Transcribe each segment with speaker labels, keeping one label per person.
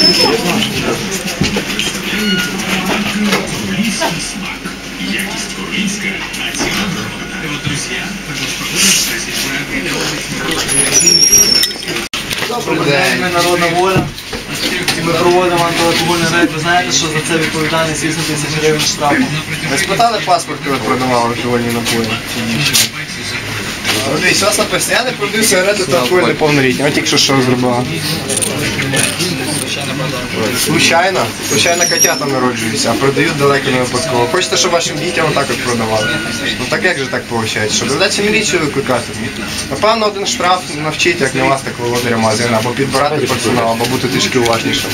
Speaker 1: Добрий день, ми Народна Воля. Ми проводимо антиалкогольний рейд. Ви знаєте, що за це відповідальність 8 тисяч гривень штрафу.
Speaker 2: Ви спитали паспорт, коли продавали алкогольні напої? Дивись, у вас написано, я не продаю сигарети та алкоголь неповнолітнім. А тільки що зробила? Случайно? Случайно котята народжуються, а продають далеко не випадково. Хочете, щоб вашим дітям отак от продавали? Ну так як же так виходить? Що доведеться міліцію викликати? Напевно, один штраф навчить, як не вас, так володаря магазину, або підбирати персонал, або бути трішки уважнішим.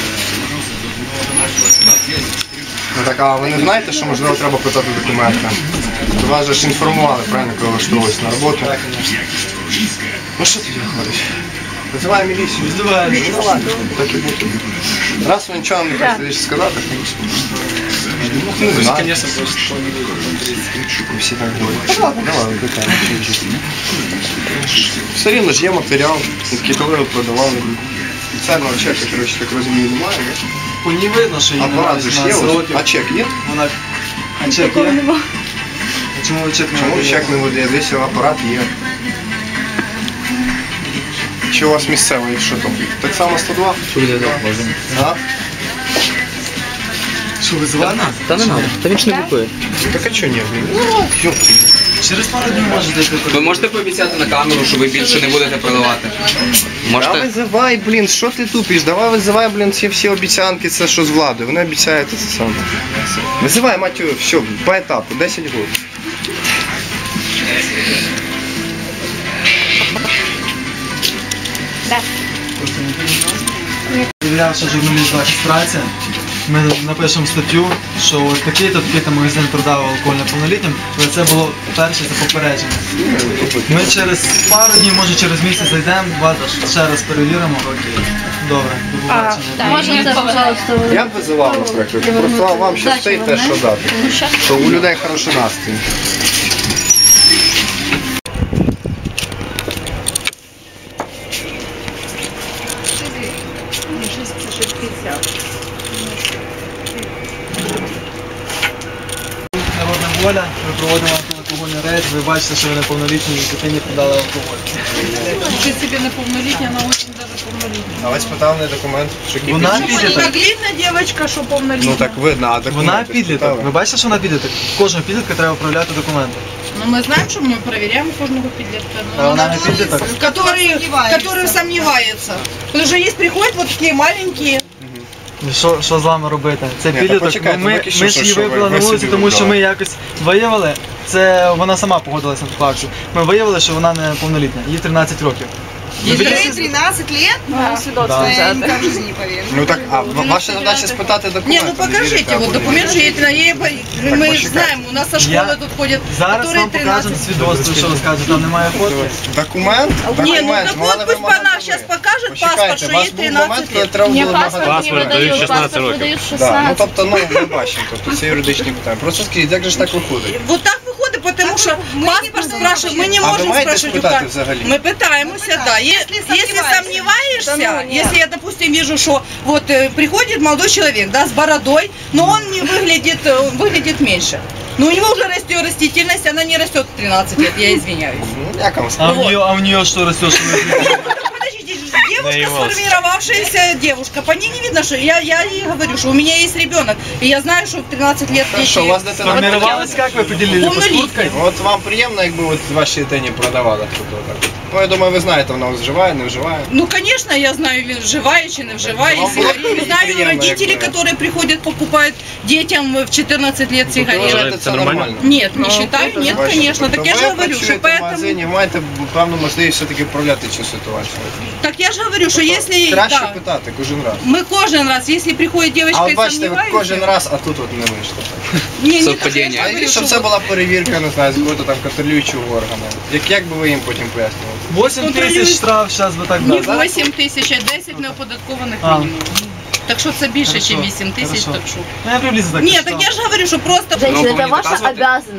Speaker 2: Ну так, а ви не знаєте, що можливо треба питати документи? То вас же ж інформували, правильно, коли влаштовувалися на роботу. Ну що тоді виходить? Визиваємо міліцію.
Speaker 1: Визиваємо.
Speaker 2: Так і буде. Раз ви нічого не хочете сказати, ну не знаю. Всі так говорять. Давай, викликаємо. Все рівно ж є матеріал, який коли ви продавали. Спеціального чека, коротше, так розумію, немає.
Speaker 1: По ній видно, що їй
Speaker 2: апарат же ж є, а чек є?
Speaker 1: А чек є? Чому ви чек не
Speaker 2: Чому
Speaker 1: видаєте?
Speaker 2: чек не видає? Десь апарат є. Чи у вас місцевий, що там? Так само 102?
Speaker 3: Що буде так, можна?
Speaker 2: А?
Speaker 1: Що, визивати?
Speaker 3: Та не треба, та він ж не купує.
Speaker 2: Так а чого ні?
Speaker 1: Через пару днів можете йти.
Speaker 3: Ви можете пообіцяти на камеру, що ви більше не будете продавати?
Speaker 2: Да
Speaker 3: Можете?
Speaker 2: визивай, блін, що ти тупиш? Давай визивай, блін, ці всі обіцянки, це що з влади. Вони обіцяють це саме. Визивай, матю, все, по етапу, 10 років.
Speaker 4: Да.
Speaker 1: Перевірявши журналіст «Захист праці», ми напишемо статтю, що от такий-то магазин продав алкоголь неповнолітнім, але це було перше за попередження. Ми через пару днів, може через місяць зайдемо, вас ще раз перевіримо. Добре, до побачення.
Speaker 4: Можна це, пожалуйста,
Speaker 2: Я б визивав, наприклад, просто вам щастить те, що дати. Що у людей хороший настрій.
Speaker 1: Народна Воля, ми проводимо антиалкогольний рейд, ви бачите, що ви неповнолітні і дитині продали алкоголь.
Speaker 5: Ты себе неповнолітня, она очень даже повнолітня.
Speaker 2: А ви спитали не документ, що
Speaker 1: Вона
Speaker 2: кипить?
Speaker 1: підліток.
Speaker 5: Так видно, девочка, що повнолітня.
Speaker 2: Ну так видно, а документи
Speaker 1: Вона підліток.
Speaker 2: спитали?
Speaker 1: Ви бачите, що вона підліток? Кожного підлітка треба проявляти документи.
Speaker 5: Ну, ми знаємо, що ми перевіряємо кожного підлітка.
Speaker 1: А вона не підліток.
Speaker 5: Который сомневается. Потому что есть приходят вот такие маленькие.
Speaker 1: Що з вами робити? Це
Speaker 2: Ні,
Speaker 1: підліток.
Speaker 2: та почекайте,
Speaker 1: Ми
Speaker 2: поки що,
Speaker 1: ж її
Speaker 2: що ви
Speaker 1: вибрали на
Speaker 2: собі
Speaker 1: вулиці, тому що
Speaker 2: вибрали.
Speaker 1: ми якось виявили. Це вона сама погодилася на таку акцію. Ми виявили, що вона не повнолітня. Їй 13 років.
Speaker 5: Ей
Speaker 4: 13 лет?
Speaker 1: Да.
Speaker 4: Я никак в жизни не поверю.
Speaker 2: Ну так, а ваша задача спитати
Speaker 5: Не,
Speaker 2: документи.
Speaker 5: ну покажите,
Speaker 2: вірите,
Speaker 5: вот
Speaker 2: або
Speaker 5: документ же
Speaker 2: не
Speaker 5: есть на ей. Мы
Speaker 2: почекайте.
Speaker 5: знаем, у нас со
Speaker 1: Я
Speaker 5: школы тут ходят,
Speaker 1: Зараз
Speaker 5: которые
Speaker 1: вам покажемо
Speaker 5: 13.
Speaker 1: свідоцтво, що ви скажете, там немає фотки.
Speaker 2: Документ?
Speaker 5: Не, ну
Speaker 2: Документ.
Speaker 5: так
Speaker 2: Вона
Speaker 5: вот пусть
Speaker 2: вимагає
Speaker 5: она
Speaker 2: ви.
Speaker 5: сейчас покажет
Speaker 2: Почекайте,
Speaker 5: паспорт, что
Speaker 2: у вас
Speaker 5: ей
Speaker 2: був момент,
Speaker 5: 13
Speaker 2: коли
Speaker 5: лет.
Speaker 2: треба
Speaker 4: Мне
Speaker 2: було
Speaker 4: паспорт
Speaker 2: нагадати.
Speaker 4: не выдают, паспорт выдают
Speaker 2: Да, ну
Speaker 4: 16.
Speaker 2: тобто, ну ми бачимо, тобто це юридичні питання. Просто скажіть, як же ж так виходить?
Speaker 5: Вот так выходит, потому что паспорт спрашивают, мы не
Speaker 2: А ви
Speaker 5: можем
Speaker 2: маєте
Speaker 5: спрашивать у
Speaker 2: спитати
Speaker 5: кого.
Speaker 2: взагалі?
Speaker 5: Мы пытаемся, да. Если сомневаешься, если я, допустим, вижу, что вот приходит молодой человек, да, с бородой, но он не выглядит меньше. Но у него уже растет растительность, она не растет в 13 лет, я извиняюсь.
Speaker 2: Ну, як вам
Speaker 1: А
Speaker 2: сказати?
Speaker 1: в нее что растет? Что
Speaker 5: Подождите, девушка, сформировавшаяся девушка, по ней не видно, что я ей говорю, что у меня есть ребенок, и я знаю, что в 13 лет
Speaker 2: Хорошо, у вас дитина
Speaker 1: Сформировалась, как вы поделили? Под курткой?
Speaker 2: От вам приємно, якби от вашій дитині продавали тут отак? Ну, я думаю, ви знаєте, вона вживає, не вживає.
Speaker 5: Ну, конечно, я знаю, вживая чи не вживая
Speaker 2: Вам було
Speaker 5: сигареты. Знаю
Speaker 2: приємно,
Speaker 5: родителей,
Speaker 2: якби.
Speaker 5: которые приходят, покупают детям в 14 лет
Speaker 2: Ви
Speaker 5: сигареты.
Speaker 2: вважаєте, це нормально?
Speaker 5: Нет, не считаю, нет,
Speaker 2: Бачите,
Speaker 5: конечно. Так
Speaker 2: тобто
Speaker 5: я же
Speaker 2: ви
Speaker 5: говорю, что
Speaker 2: працюєте в
Speaker 5: поэтому...
Speaker 2: магазині, маєте певну можливість все-таки вправляти цю ситуацію.
Speaker 5: Так я же говорю, что
Speaker 2: Тобто
Speaker 5: если...
Speaker 2: краще
Speaker 5: Да,
Speaker 2: питати кожен раз.
Speaker 5: мы кожен раз, если приходит девочка
Speaker 2: А от
Speaker 5: и
Speaker 2: бачите, ви кожен
Speaker 5: сомневается...
Speaker 2: раз, а тут от не вийшло.
Speaker 5: Не, не так, я же
Speaker 3: Совпадение.
Speaker 2: А
Speaker 5: говорю,
Speaker 2: щоб
Speaker 5: что
Speaker 2: це
Speaker 5: вот
Speaker 2: була перевірка, не знаю, з якого-то там контролюючого органу. Як би ви їм потім пояснювали?
Speaker 1: 8 тисяч штраф, зараз би так
Speaker 5: не
Speaker 1: дали.
Speaker 5: 8 тисяч, а 10 неоподаткованих
Speaker 1: А.
Speaker 5: мінімум. Так що це більше, ніж
Speaker 1: Хорошо,
Speaker 5: 8 тисяч,
Speaker 1: хорошо.
Speaker 5: так що...
Speaker 1: Ну я приблизно так
Speaker 5: Нет,
Speaker 1: считал.
Speaker 5: так я же говорю, что просто...
Speaker 4: Женщина,
Speaker 3: Ну,
Speaker 4: это
Speaker 3: не
Speaker 4: ваша
Speaker 3: доказывайте.
Speaker 4: обязанность.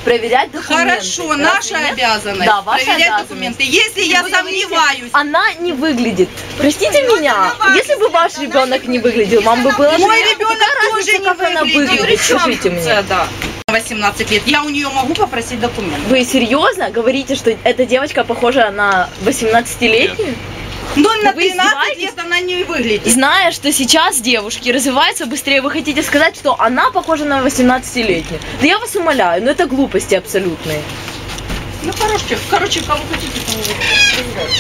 Speaker 6: проверять документы.
Speaker 5: Хорошо,
Speaker 6: Разве
Speaker 5: наша
Speaker 6: нет?
Speaker 5: обязанность
Speaker 6: Да, ваша
Speaker 5: проверять
Speaker 6: обязанность.
Speaker 5: документы. Если я сомневаюсь,
Speaker 6: Она не выглядит. Простите меня, если бы ваш ребенок не выглядел, вам бы было
Speaker 5: мой
Speaker 6: же-
Speaker 5: ребенок
Speaker 6: какая
Speaker 5: тоже
Speaker 6: разница,
Speaker 5: не
Speaker 6: как она
Speaker 5: выглядел.
Speaker 6: выглядит, скажите мне.
Speaker 5: Да. 18 лет. Я у нее могу попросить документы.
Speaker 6: Вы серьезно говорите, что эта девочка похожа на 18-летнюю?
Speaker 5: Но на
Speaker 6: Вы
Speaker 5: 13
Speaker 6: издеваетесь?
Speaker 5: лет она не выглядит.
Speaker 6: Зная, что сейчас девушки развиваются быстрее, вы хотите сказать, что она похожа на 18-летнюю? Да я вас умоляю, но это глупости абсолютные.
Speaker 5: Ну, короче, кого хотите, того выбирайте.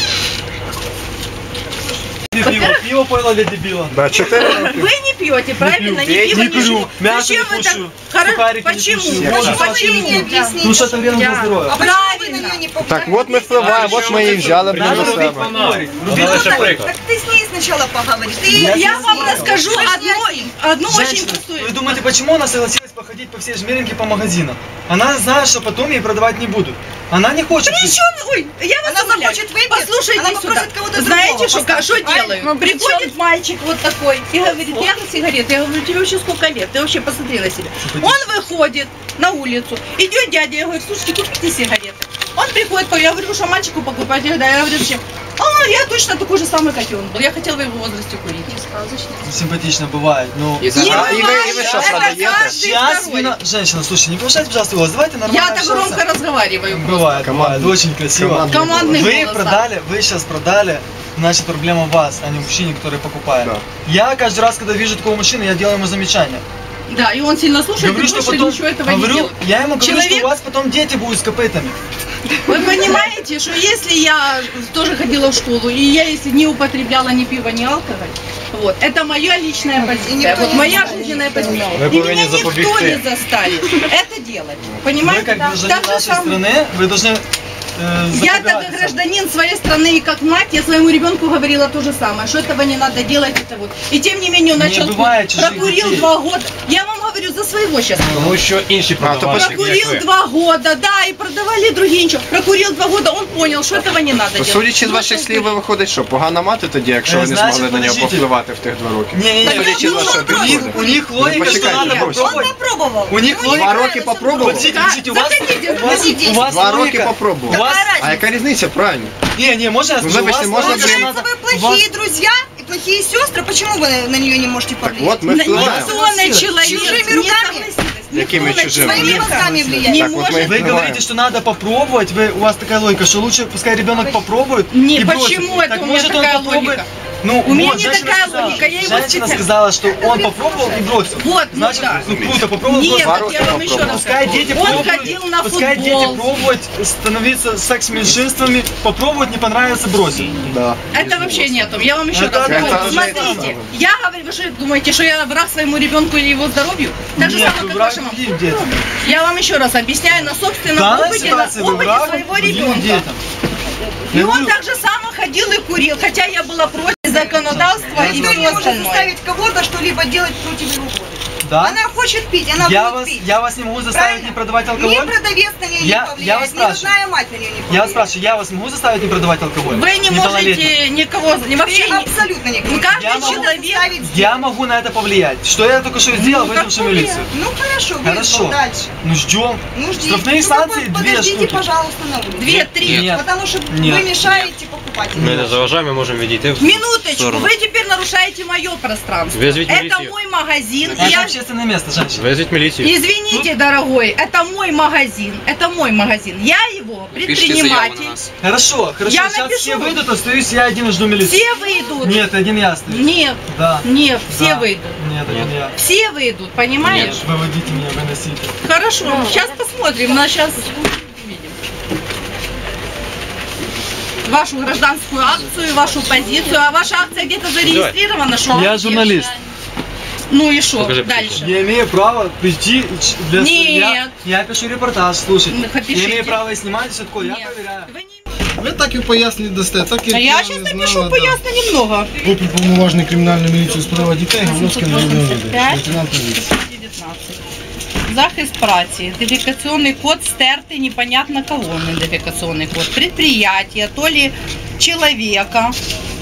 Speaker 1: Пиво пойло для дебила.
Speaker 2: Да, 4 роки.
Speaker 5: Вы не пьете, правильно? Не
Speaker 2: пью,
Speaker 5: пиво,
Speaker 1: не курю,
Speaker 5: ничего.
Speaker 1: мясо
Speaker 5: Зачем
Speaker 1: не
Speaker 5: вы так?
Speaker 1: кушаю,
Speaker 5: Хоро-
Speaker 1: сухарики не
Speaker 5: Почему?
Speaker 1: кушаю,
Speaker 2: воду
Speaker 5: Почему?
Speaker 1: Ну что это вредно для здоров'я.
Speaker 5: Правильно.
Speaker 2: Так от ми впливаємо, от ми її взяли блін,
Speaker 1: Надо
Speaker 2: на
Speaker 1: робити
Speaker 2: себе.
Speaker 1: поговорить. Робити
Speaker 4: Так ты с ней сначала поговоришь.
Speaker 5: Я вам расскажу одну очень
Speaker 1: Женщина,
Speaker 5: простую.
Speaker 1: вы думаете, почему она согласилась походить по всей Жмеринке по магазинам? Она знает, что потом ей продавать не будут. Она не хочет.
Speaker 5: Причем, ой, я вас
Speaker 4: Она
Speaker 5: умоляю.
Speaker 4: захочет выпить,
Speaker 5: Послушайте
Speaker 4: она
Speaker 5: сюда.
Speaker 4: попросит кого-то
Speaker 5: Знаете,
Speaker 4: другого
Speaker 5: что
Speaker 4: поставить,
Speaker 5: делаю?
Speaker 4: правильно?
Speaker 6: Ну,
Speaker 5: Приходит мальчик вот такой и говорит, я на сигареты. Я говорю, тебе вообще сколько лет? Ты вообще посмотри на себя. Он выходит на улицу, идет дядя, я говорю, слушайте, купите сигареты. Он приходит, я говорю, что мальчику покупать, я говорю, зачем? Я точно такой же самый, как и он был. Я хотела в его возрасте курить.
Speaker 1: Симпатично бывает, но...
Speaker 3: І зараз-
Speaker 2: А, і ви що,
Speaker 5: Это
Speaker 2: продаєте?
Speaker 5: каждый
Speaker 1: Сейчас
Speaker 5: второй.
Speaker 1: Женщина, слушай, не повышайте, пожалуйста, голос. Давайте нормально
Speaker 5: Я так
Speaker 1: общаться.
Speaker 5: громко разговариваю.
Speaker 1: Бывает,
Speaker 2: Командный.
Speaker 1: бывает, очень красиво.
Speaker 5: Командный
Speaker 1: Вы
Speaker 5: голос,
Speaker 1: продали, вы сейчас продали, значит проблема в вас, а не в мужчине, который покупает.
Speaker 2: Да.
Speaker 1: Я каждый раз, когда вижу такого мужчины, я делаю ему замечание.
Speaker 5: Да, и он сильно слушает,
Speaker 1: Говорю,
Speaker 5: и
Speaker 1: что
Speaker 5: больше
Speaker 1: потом,
Speaker 5: ничего этого не
Speaker 1: говорю,
Speaker 5: делает.
Speaker 1: я ему говорю, что
Speaker 5: Человек-
Speaker 1: у вас потом дети будут с копытами.
Speaker 5: Вы понимаете, что если я тоже ходила в школу, и я если не употребляла ни пива, ни алкоголь, вот, это моя личная позиция, вот моя жизненная позиция.
Speaker 2: Вы
Speaker 5: И
Speaker 2: повинны
Speaker 5: меня никто
Speaker 2: запобігти.
Speaker 5: не заставит это делать.
Speaker 1: Вы
Speaker 5: Понимаете?
Speaker 1: как гражданин
Speaker 5: Так же
Speaker 1: нашей
Speaker 5: самое.
Speaker 1: страны, вы должны
Speaker 5: Я
Speaker 1: запобігати
Speaker 5: как
Speaker 1: цьому.
Speaker 5: гражданин своей страны и как мать, я своему ребенку говорила то же самое, что этого не надо делать, это вот. И тем не менее он
Speaker 1: Не
Speaker 5: начал
Speaker 1: бывает
Speaker 5: курить.
Speaker 1: чужих
Speaker 5: Прокурил
Speaker 1: детей.
Speaker 5: 2 года. Я вам говорю за своего сейчас.
Speaker 7: Тому що інші
Speaker 2: А, то
Speaker 7: продавальники, як
Speaker 5: Прокурил
Speaker 7: ви.
Speaker 5: 2 года, да, и продавали другие ничего. Прокурил 2 года, он понял, что этого не надо
Speaker 2: То,
Speaker 5: делать.
Speaker 2: судячи з
Speaker 5: Ну,
Speaker 2: ваших
Speaker 5: что
Speaker 2: слів, ви виходить, що погана мати тоді, якщо ви не
Speaker 1: Значить,
Speaker 2: змогли на нього
Speaker 1: подождіть.
Speaker 2: повпливати в тих 2 роки.
Speaker 1: Не-не-не,
Speaker 5: Так
Speaker 2: Судячи з вашого підходу.
Speaker 1: у них логика, что
Speaker 2: почекайте,
Speaker 1: надо
Speaker 2: брось.
Speaker 1: попробовать.
Speaker 4: попробовал.
Speaker 1: У них логика...
Speaker 2: 2 роки попробував?
Speaker 1: Подождите, подождите, у вас,
Speaker 4: заходите,
Speaker 1: у вас
Speaker 2: 2 роки
Speaker 1: логика...
Speaker 2: попробував.
Speaker 1: У вас...
Speaker 2: А яка різниця, правильно?
Speaker 1: Не, можно я
Speaker 2: Ну,
Speaker 1: скажу? У
Speaker 2: вибачте,
Speaker 1: вас
Speaker 2: можна
Speaker 1: логика, что
Speaker 4: Получается,
Speaker 1: надо...
Speaker 4: вы плохие друзья и плохие сестры. Почему вы на нее не можете повлиять?
Speaker 2: От ми впливаємо.
Speaker 5: Информационный человек
Speaker 4: Чужими
Speaker 5: не
Speaker 4: руками?
Speaker 5: согласилась.
Speaker 2: Якими
Speaker 5: Никто на
Speaker 2: чужими?
Speaker 4: Своими
Speaker 5: человека
Speaker 4: мозгами влиять.
Speaker 5: не
Speaker 2: Так, вот мы
Speaker 5: может.
Speaker 1: Вы
Speaker 2: Понимаю.
Speaker 1: говорите, что надо попробовать, у вас такая логика, что лучше пускай ребенок попробует
Speaker 5: Не,
Speaker 1: и бросит.
Speaker 5: почему это
Speaker 1: Так
Speaker 5: у меня
Speaker 1: может он
Speaker 5: такая
Speaker 1: попробует?
Speaker 5: логика?
Speaker 1: Ну,
Speaker 5: У меня
Speaker 1: вот,
Speaker 5: не
Speaker 1: женщина
Speaker 5: такая
Speaker 1: сказала.
Speaker 5: логика, я его
Speaker 1: Женщина
Speaker 5: специально-
Speaker 1: сказала, что он попробовал и бросил.
Speaker 5: Вот, ну
Speaker 1: Значит,
Speaker 5: да.
Speaker 1: круто, попробовал,
Speaker 5: Нет,
Speaker 1: бросил.
Speaker 2: Два
Speaker 5: так
Speaker 2: роки
Speaker 5: я вам еще
Speaker 2: попробовал.
Speaker 5: раз
Speaker 1: Пускай
Speaker 5: скажу.
Speaker 1: дети
Speaker 5: Он
Speaker 1: пробуют,
Speaker 5: ходил на
Speaker 1: пускай дети
Speaker 5: футбол.
Speaker 1: пробуют становиться секс-меньшинствами, попробовать, не понравится, бросить.
Speaker 2: Да.
Speaker 5: Это вообще не о том. Я вам еще
Speaker 1: Это
Speaker 5: раз
Speaker 2: это
Speaker 5: говорю.
Speaker 2: уже
Speaker 5: Смотрите,
Speaker 2: это.
Speaker 5: я говорю, вы что думаете, что я враг своему ребенку или его здоровью? Так же
Speaker 1: Нет,
Speaker 5: самое,
Speaker 1: вы
Speaker 5: как
Speaker 1: враг
Speaker 5: вашему.
Speaker 1: другим детям.
Speaker 5: Я вам еще раз объясняю на
Speaker 1: В
Speaker 5: собственном
Speaker 1: данной
Speaker 5: опыте, на
Speaker 1: ситуации вы
Speaker 5: опыте
Speaker 1: враг
Speaker 5: своего
Speaker 1: другим
Speaker 5: ребенка.
Speaker 1: детям.
Speaker 5: И
Speaker 1: Я
Speaker 5: он
Speaker 1: говорю,
Speaker 5: так же само ходил и курил, хотя я была против законодавства и
Speaker 4: Никто
Speaker 5: все
Speaker 4: не может
Speaker 5: остальное.
Speaker 4: заставить кого-то что-либо делать против его воли.
Speaker 1: Да?
Speaker 4: Она хочет пить, она
Speaker 1: Я
Speaker 4: будет пить.
Speaker 1: вас не могу заставить
Speaker 4: Правильно?
Speaker 1: не продавать
Speaker 4: Ни
Speaker 1: алкоголь?
Speaker 4: продавец на нее
Speaker 1: Я
Speaker 4: не
Speaker 1: вас
Speaker 4: повлияет, ни
Speaker 1: спрашиваю.
Speaker 4: родная мать на нее не повлияет.
Speaker 1: Я вас спрашиваю, я вас могу заставить не продавать алкоголь?
Speaker 5: Вы не
Speaker 1: Неполнолетним?
Speaker 5: можете никого, вообще
Speaker 4: Ты абсолютно не
Speaker 5: Ну, каждый
Speaker 1: Я могу
Speaker 5: человек.
Speaker 1: Я могу на это повлиять. Что я только что сделал, вызвавший милицию?
Speaker 4: Ну хорошо,
Speaker 1: Хорошо.
Speaker 4: вызвал, дальше.
Speaker 1: Ну ждем.
Speaker 4: Ну ждите.
Speaker 1: Штрафные
Speaker 4: Ну,
Speaker 1: санкции
Speaker 4: вы
Speaker 1: 2
Speaker 4: подождите,
Speaker 1: штуки.
Speaker 4: пожалуйста, на улице.
Speaker 5: 2-3.
Speaker 1: Нет.
Speaker 4: Потому что
Speaker 1: Нет.
Speaker 4: вы мешаете покупателям.
Speaker 7: Ми не заважаємо, ми можемо відійти в
Speaker 5: Минуточку,
Speaker 7: сторону.
Speaker 5: вы теперь нарушаете мое пространство.
Speaker 7: Вызовите
Speaker 5: Это
Speaker 7: милицию.
Speaker 5: мой магазин. и
Speaker 1: Это
Speaker 5: я...
Speaker 1: общественное место, женщина.
Speaker 7: Визвіть міліцію.
Speaker 5: Извините, дорогой, это мой магазин. Это мой магазин. Я его
Speaker 3: Пишите заяву на
Speaker 5: предприниматель.
Speaker 3: нас.
Speaker 1: Хорошо, хорошо.
Speaker 5: Я
Speaker 1: Сейчас
Speaker 5: напишу.
Speaker 1: все выйдут, остаюсь я один и жду милицию.
Speaker 5: Все выйдут.
Speaker 1: Нет, один я остаюсь.
Speaker 5: Нет,
Speaker 1: Да.
Speaker 5: нет, все
Speaker 1: Да.
Speaker 5: выйдут.
Speaker 1: Нет, один я.
Speaker 5: Все выйдут, понимаешь?
Speaker 1: Выводите меня, выносите.
Speaker 5: Хорошо, сейчас посмотрим, на сейчас увидим. Вашу гражданскую акцию, вашу позицию. А ваша акция где-то зарегистрирована, что?
Speaker 1: Я журналист.
Speaker 5: Ну и что?
Speaker 7: Покажи
Speaker 5: Дальше.
Speaker 1: Я имею право прийти для...
Speaker 5: Нет.
Speaker 1: Я пишу репортаж, слушайте.
Speaker 5: Ну,
Speaker 1: Я
Speaker 5: пишите.
Speaker 1: имею право и снимать, все такое. Я
Speaker 5: Нет.
Speaker 1: проверяю.
Speaker 5: Вы не...
Speaker 8: Ви так і пояснення дасте, так і
Speaker 5: А я сейчас напишу поясню немного.
Speaker 8: Уповноважений кримінальної міліції у справах дітей, Галузький районний відділ,
Speaker 5: 85.
Speaker 8: лейтенант поліції.
Speaker 5: 19. Захист праці. Ідентифікаційний код стертий, непонятно кого ідентифікаційний код. Предприятие, то ли человека.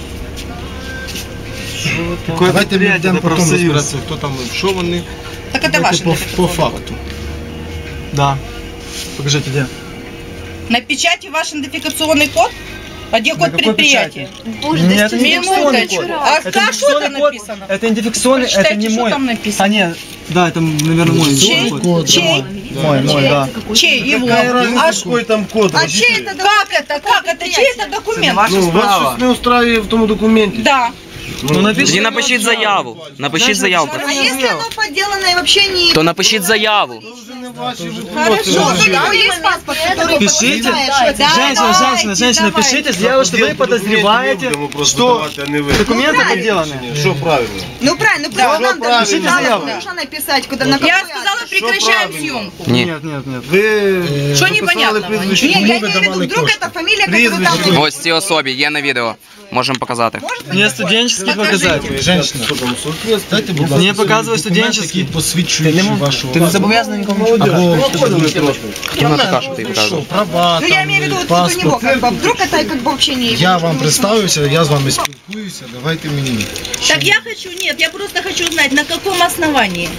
Speaker 8: Давайте ми йдемо
Speaker 1: это
Speaker 8: потім
Speaker 1: профсоюз.
Speaker 8: розбиратися, хто там, що вони.
Speaker 5: Так это
Speaker 8: Давайте
Speaker 5: ваше
Speaker 8: по
Speaker 5: ідентифікаційний код.
Speaker 8: факту.
Speaker 1: Да. Покажите, где.
Speaker 5: На печати ваш идентификационный код? А где код
Speaker 1: какой
Speaker 5: предприятия?
Speaker 1: Нет, это не идентификационный код.
Speaker 5: А
Speaker 1: Это
Speaker 5: что
Speaker 1: идентификационный
Speaker 5: там
Speaker 1: код.
Speaker 5: написано?
Speaker 1: Это идентификационный, это
Speaker 5: Прочитайте,
Speaker 1: не
Speaker 5: что
Speaker 1: мой.
Speaker 5: там написано.
Speaker 1: А нет, да, это, наверное, мой.
Speaker 5: Чей?
Speaker 1: Код.
Speaker 5: Чей?
Speaker 1: Мой, да.
Speaker 5: Чей его?
Speaker 8: Какая разница,
Speaker 5: А
Speaker 8: какой там код?
Speaker 4: А чей это
Speaker 5: как это? Чей это документ?
Speaker 8: Ну, вас щось не устраює в тому документі.
Speaker 5: Да.
Speaker 1: Ну напиши.
Speaker 3: Тоді напишіть заяву. Напишіть заяву.
Speaker 4: А если оно подделано и вообще не...
Speaker 3: То напишіть заяву.
Speaker 4: Хорошо, тогда есть паспорт, который
Speaker 1: Пишите.
Speaker 4: подтверждает, что это...
Speaker 1: Женщина, пишите заяву, что вы подозреваете, что документы подделаны.
Speaker 8: Що правильно?
Speaker 4: Ну правильно, просто нам даже
Speaker 1: Пишите
Speaker 4: надо
Speaker 1: заяву.
Speaker 4: нужно написать, куда на
Speaker 5: Я
Speaker 4: какой
Speaker 5: сказала,
Speaker 4: адрес.
Speaker 5: прекращаем
Speaker 8: правильно?
Speaker 5: съемку.
Speaker 3: Ні.
Speaker 1: Нет, нет, нет.
Speaker 8: Ви
Speaker 5: Що
Speaker 8: написали
Speaker 5: непонятного?
Speaker 8: прізвище,
Speaker 4: Не,
Speaker 8: кому
Speaker 4: я
Speaker 8: ви
Speaker 4: имею в виду,
Speaker 8: давали
Speaker 4: вдруг
Speaker 8: кошти?
Speaker 4: это фамилия, которую там...
Speaker 8: Прізвище.
Speaker 3: Ось ці особі є на відео. Можемо показати.
Speaker 1: Мне студенческий показать.
Speaker 8: Женщина, дайте, будь ласка,
Speaker 1: Мне показывай студенческий.
Speaker 8: посвідчуючи вашого...
Speaker 3: Ти не зобов'язаний нікому.
Speaker 8: Або
Speaker 3: Вона така, що ти показував.
Speaker 8: права,
Speaker 4: Ну я
Speaker 8: там,
Speaker 4: имею в виду вот у
Speaker 8: паспорт.
Speaker 4: него, как бы, вдруг это как бы вообще не...
Speaker 8: Я вам представився, я з вами спілкуюся, давайте мені.
Speaker 5: Так я хочу, нет, я просто хочу узнать, на каком основании?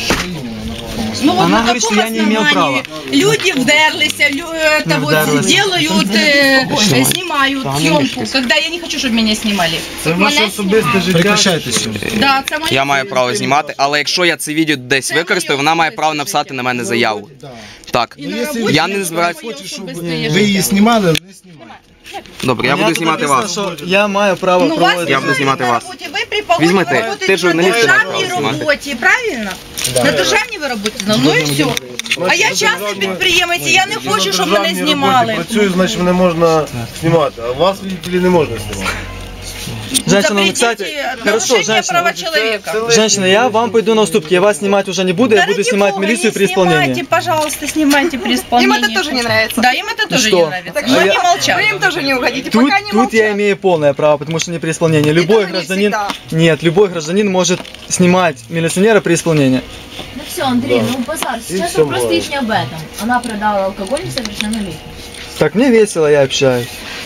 Speaker 5: Ну вот
Speaker 1: Она
Speaker 5: на
Speaker 1: говорит,
Speaker 5: каком
Speaker 1: что я не имел
Speaker 5: основании люди вдерлись, это вот
Speaker 1: вдерлись.
Speaker 5: делают, снимают съемку, когда я не хочу, чтобы меня снимали.
Speaker 8: Це ваше особисте життя. Прекращайте сьогодні.
Speaker 5: Да, це моє
Speaker 3: Я маю право знімати, але якщо я це відео десь використаю, вона має право написати на мене заяву. Так. Я не збираюся.
Speaker 8: Ви її знімали, але не знімайте.
Speaker 3: Добре, я буду знімати вас.
Speaker 1: Що я маю право
Speaker 5: Ну, вас
Speaker 1: проводити.
Speaker 3: Я буду знімати вас.
Speaker 5: Ви при погоді
Speaker 3: Візьми ти.
Speaker 5: работаєте
Speaker 3: Ти журналіст,
Speaker 5: на
Speaker 3: ти маєш право
Speaker 5: державній
Speaker 3: знімати.
Speaker 5: роботі, правильно? На державній ви працюєте, ну і все. А я частний підприємець, і я не хочу, щоб мене знімали.
Speaker 8: Працюю, значить мене можна знімати, а вас, видите ли, не можна знімати.
Speaker 1: Женщина, ну, кстати, хорошо,
Speaker 5: нарушение права
Speaker 1: женщина.
Speaker 5: человека.
Speaker 1: Женщина, я вам пойду на уступки. Я вас снимать уже не буду, я буду снимать милицию при исполнении.
Speaker 5: Снимайте, пожалуйста, снимайте при
Speaker 4: Им
Speaker 5: исполнении.
Speaker 4: это тоже не нравится.
Speaker 5: Да, им это тоже
Speaker 1: что?
Speaker 5: не нравится.
Speaker 4: Так
Speaker 5: Но
Speaker 4: что
Speaker 5: не
Speaker 1: я-
Speaker 5: молчат.
Speaker 4: Вы им тоже не угодите,
Speaker 1: Тут,
Speaker 4: пока не
Speaker 1: тут я
Speaker 4: молчат.
Speaker 1: имею полное право, потому что не при исполнении. Любой
Speaker 4: тоже не
Speaker 1: гражданин...
Speaker 4: всегда.
Speaker 1: Нет, любой гражданин может снимать милиционера при исполнении.
Speaker 6: Ну все, Андрей, ну базар. Сейчас
Speaker 8: всё
Speaker 6: вопрос
Speaker 8: бывает.
Speaker 6: лишь не об этом. Она продала алкоголь несовершеннолетним.
Speaker 1: Так мне весело, я общаюсь.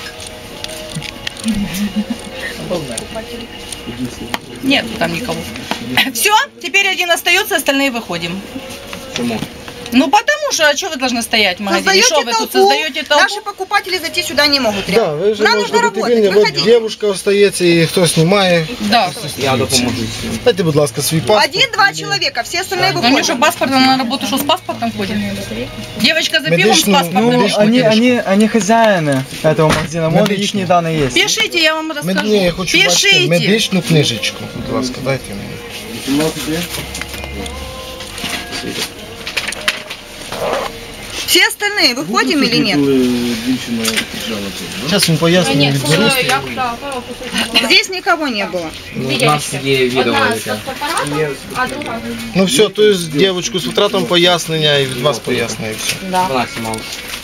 Speaker 5: Нет там никого. Все, теперь один остается, остальные выходим.
Speaker 3: Чому?
Speaker 5: Ну потому что, а что вы должны стоять в магазине? Что
Speaker 4: Создаете
Speaker 5: вы тут
Speaker 4: толпу,
Speaker 5: создаете толпу?
Speaker 4: наши покупатели зайти сюда не могут.
Speaker 8: Да,
Speaker 4: реально.
Speaker 8: ви вже
Speaker 4: Нам нужно
Speaker 8: можете бути
Speaker 4: работать,
Speaker 8: вільні, от
Speaker 4: выходите.
Speaker 8: дівчинка остається і хто знімає.
Speaker 5: Да.
Speaker 3: Я допоможу.
Speaker 8: Дайте, будь ласка, свій паспорт.
Speaker 4: Один-два человека, все остальные
Speaker 5: Ну мне
Speaker 4: выходят.
Speaker 5: что, паспорт, она на работу что, с паспортом ходит? Девочка за пивом с
Speaker 8: Медичную,
Speaker 5: паспортом.
Speaker 8: ну,
Speaker 1: Ну, они хозяины этого магазина, вот
Speaker 8: Медичный.
Speaker 1: их данные есть.
Speaker 5: Пишите, я вам расскажу.
Speaker 8: Ні, я хочу бачити
Speaker 5: Пишите.
Speaker 8: медичну книжечку. Будь ласка, дайте мені.
Speaker 4: Все остальные выходим или нет?
Speaker 8: Зараз він пояснює відберусь.
Speaker 4: Здесь никого не было.
Speaker 3: У нас є відео.
Speaker 8: Ну все, то є дівчинку з втратом пояснення і від вас пояснення і все.
Speaker 3: Вона знімала.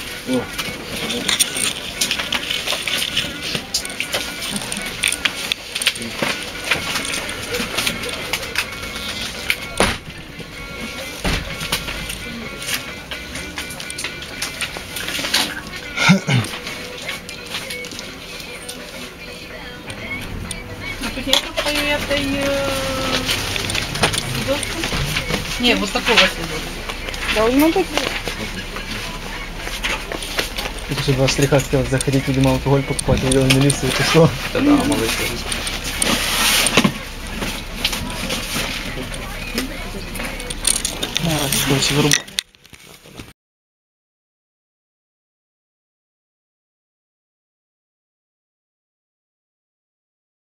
Speaker 5: Не, вот такого следует.
Speaker 4: Должно быть.
Speaker 1: Что два штриха хотел заходить, видимо, алкоголь покупать, увидел милицию, ты что?
Speaker 3: Та-да, малий.
Speaker 1: Короче, вырубай.